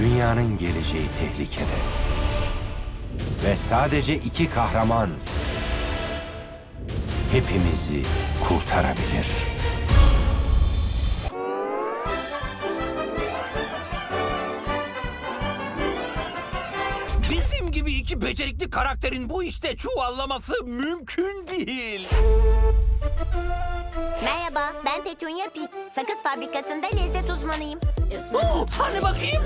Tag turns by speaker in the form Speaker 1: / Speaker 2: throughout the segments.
Speaker 1: Dünyanın geleceği tehlikede. Ve sadece iki kahraman hepimizi kurtarabilir.
Speaker 2: Bizim gibi iki becerikli karakterin bu işte çuvallaması mümkün değil.
Speaker 3: Merhaba, ben Petunia Pig. Sakız fabrikasında lezzet uzmanıyım.
Speaker 2: Hani bakayım?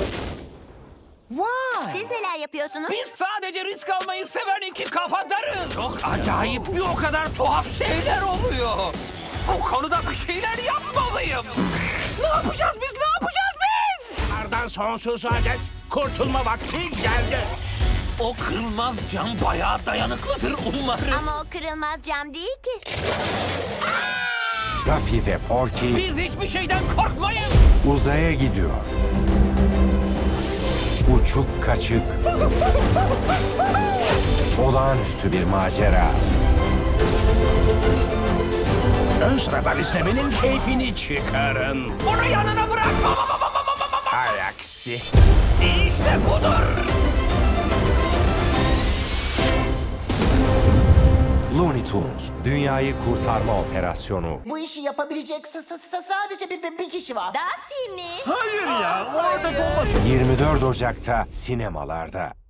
Speaker 4: Vay!
Speaker 3: Siz neler yapıyorsunuz?
Speaker 2: Biz sadece risk almayı seven iki kafadarız. Çok acayip bir o kadar tuhaf şeyler oluyor. Bu konuda bir şeyler yapmalıyım. Ne yapacağız biz? Ne yapacağız biz?
Speaker 5: Kardan sonsuza dek kurtulma vakti geldi.
Speaker 2: O kırılmaz cam bayağı dayanıklıdır umarım.
Speaker 3: Ama o kırılmaz cam değil ki.
Speaker 1: Daffy ve Porky
Speaker 2: Biz hiçbir şeyden korkmayız.
Speaker 1: uzaya gidiyor. Uçuk kaçık. Olağanüstü bir macera.
Speaker 5: Ön sıradan izlemenin keyfini çıkarın.
Speaker 2: Onu yanına bırak.
Speaker 5: Hay aksi.
Speaker 2: İşte budur.
Speaker 1: Looney Tunes, dünyayı kurtarma operasyonu.
Speaker 4: Bu işi yapabilecek sadece bir kişi var.
Speaker 3: Daffy mi?
Speaker 5: Hayır ya, o ördek olmasın.
Speaker 1: 24 Ocak'ta sinemalarda.